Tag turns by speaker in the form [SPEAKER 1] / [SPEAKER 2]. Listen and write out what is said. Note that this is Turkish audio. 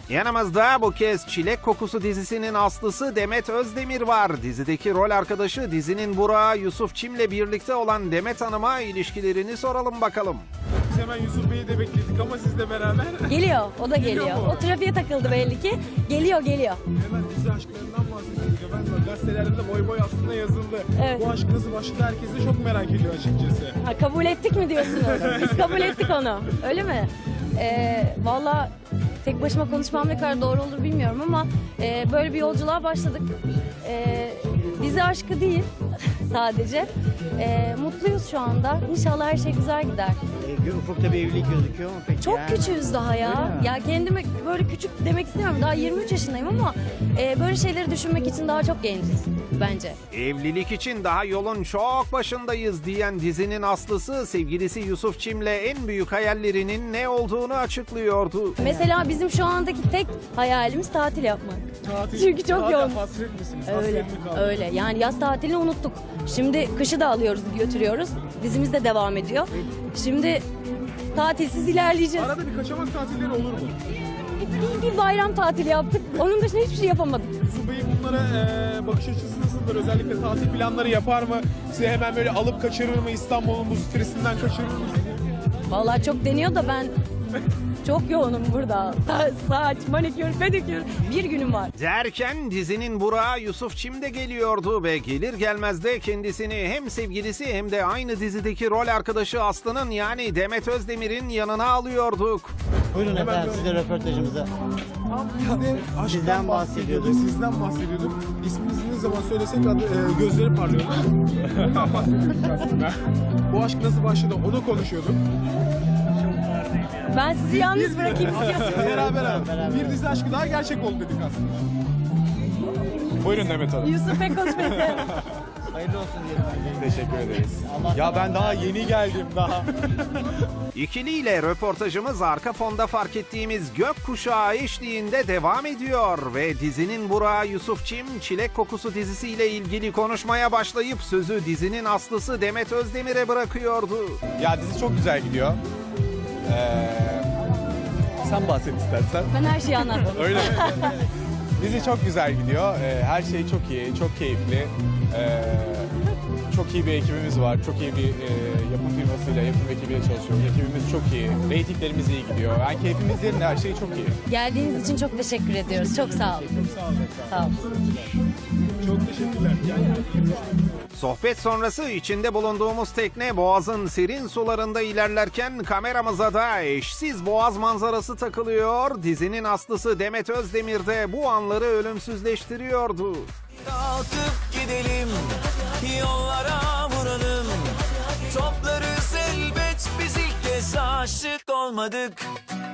[SPEAKER 1] Yanımızda bu kez Çilek Kokusu dizisinin aslısı Demet Özdemir var. Dizideki rol arkadaşı dizinin Burak'ı Yusuf Çim'le birlikte olan Demet Hanım'a ilişkilerini soralım bakalım.
[SPEAKER 2] Biz hemen Yusuf Bey'i de bekledik ama sizle beraber.
[SPEAKER 3] Geliyor, o da
[SPEAKER 2] Geliyor
[SPEAKER 3] geliyor.
[SPEAKER 2] mu?
[SPEAKER 3] O trafiğe takıldı belli ki. Geliyor.
[SPEAKER 2] Hemen dizi aşklarından bahsediyorduk efendim. Gazetelerde de boy boy aslında yazıldı.
[SPEAKER 3] Evet.
[SPEAKER 2] Bu aşk nasıl başladı herkes de çok merak ediyor açıkçası.
[SPEAKER 3] Ha, kabul ettik mi diyorsunuz? Biz kabul ettik onu. Öyle mi? Valla tek başıma konuşmam ne kadar doğru olur bilmiyorum ama böyle bir yolculuğa başladık. Dizi aşkı değil sadece. Mutluyuz şu anda. İnşallah her şey güzel gider.
[SPEAKER 4] Ufukta bir evlilik gözüküyor mu peki?
[SPEAKER 3] Çok
[SPEAKER 4] ya?
[SPEAKER 3] küçüğüz daha ya.
[SPEAKER 4] Öyle mi?
[SPEAKER 3] Ya kendimi böyle küçük demek istemiyorum. Daha 23 yaşındayım ama böyle şeyleri düşünmek için daha çok genciz bence.
[SPEAKER 1] Evlilik için daha yolun çok başındayız diyen dizinin aslısı sevgilisi Yusuf Çim'le en büyük hayallerinin ne olduğunu açıklıyordu.
[SPEAKER 3] Mesela bizim şu andaki tek hayalimiz tatil yapmak.
[SPEAKER 2] Tatil,
[SPEAKER 3] Çünkü çok
[SPEAKER 2] tatil
[SPEAKER 3] yoğun.
[SPEAKER 2] Hasret misiniz?
[SPEAKER 3] Öyle,
[SPEAKER 2] Hasret mi kaldı?
[SPEAKER 3] öyle. Yani yaz tatilini unuttuk. Şimdi kışı da alıyoruz, götürüyoruz. Dizimiz de devam ediyor. Şimdi tatilsiz ilerleyeceğiz.
[SPEAKER 2] Arada bir kaçamak tatilleri olur mu?
[SPEAKER 3] Bir bayram tatili yaptık. Onun dışında hiçbir şey yapamadık.
[SPEAKER 2] Yusuf Bey'in bunlara bakış açısı nasıldır? Özellikle tatil planları yapar mı? Size hemen böyle alıp kaçırır mı? İstanbul'un bu stresinden kaçırır mı sizi?
[SPEAKER 3] Vallahi çok deniyor da ben çok yoğunum burada. Saç, manikür, pedikür. Bir günüm var.
[SPEAKER 1] Derken dizinin Burak'ı Yusuf Çim de geliyordu ve gelir gelmez de kendisini hem sevgilisi hem de aynı dizideki rol arkadaşı Aslı'nın yani Demet Özdemir'in yanına alıyorduk.
[SPEAKER 4] Buyurun
[SPEAKER 2] Hemen
[SPEAKER 4] efendim
[SPEAKER 2] bir-
[SPEAKER 4] size röportajımıza.
[SPEAKER 2] Tam biz de aşktan
[SPEAKER 4] Sizden
[SPEAKER 2] bahsediyorduk.
[SPEAKER 4] bahsediyorduk.
[SPEAKER 2] Sizden bahsediyorduk. İsminizi ne zaman söylesek gözleri parlıyor. Bundan bahsediyorduk aslında. Bu aşk nasıl başladı onu konuşuyorduk.
[SPEAKER 3] Ben sizi yalnız bırakayım istiyorsunuz.
[SPEAKER 2] Beraber.
[SPEAKER 4] Beraber.
[SPEAKER 2] Bir dizi aşkı daha gerçek oldu dedik aslında. Buyurun Demet Hanım.
[SPEAKER 3] Yusuf pek konuşmayı sevmem.
[SPEAKER 4] Hayırlı olsun diyelim öncelikle.
[SPEAKER 2] Teşekkür ederiz.
[SPEAKER 4] Allah
[SPEAKER 2] Ya ben daha yeni geldim daha.
[SPEAKER 1] İkiliyle röportajımız arka fonda fark ettiğimiz gökkuşağı eşliğinde devam ediyor ve dizinin Burak'ı Yusuf Çim Çilek Kokusu dizisiyle ilgili konuşmaya başlayıp sözü dizinin aslısı Demet Özdemir'e bırakıyordu.
[SPEAKER 2] Ya dizi çok güzel gidiyor. Sen bahset istersen.
[SPEAKER 3] Ben her şeyi anlattım.
[SPEAKER 2] Öyle mi? Dizi çok güzel gidiyor. Her şey çok iyi, çok keyifli. Çok iyi bir ekibimiz var. Çok iyi bir yapım firmasıyla, yapım ekibiyle çalışıyoruz. Ekibimiz çok iyi. Reytinglerimiz iyi gidiyor. Yani keyfimiz yerinde, her şey çok iyi.
[SPEAKER 3] Geldiğiniz için çok teşekkür ediyoruz. Çok sağ olun.
[SPEAKER 2] Çok sağ olun.
[SPEAKER 3] Sağ olun.
[SPEAKER 2] Çok teşekkürler.
[SPEAKER 1] Sohbet sonrası içinde bulunduğumuz tekne Boğaz'ın serin sularında ilerlerken kameramıza da eşsiz Boğaz manzarası takılıyor. Dizinin aslısı Demet Özdemir de bu anları ölümsüzleştiriyordu.
[SPEAKER 5] Kalkıp gidelim, yollara vuralım. Toplarız elbet, biz ilk kez aşık olmadık.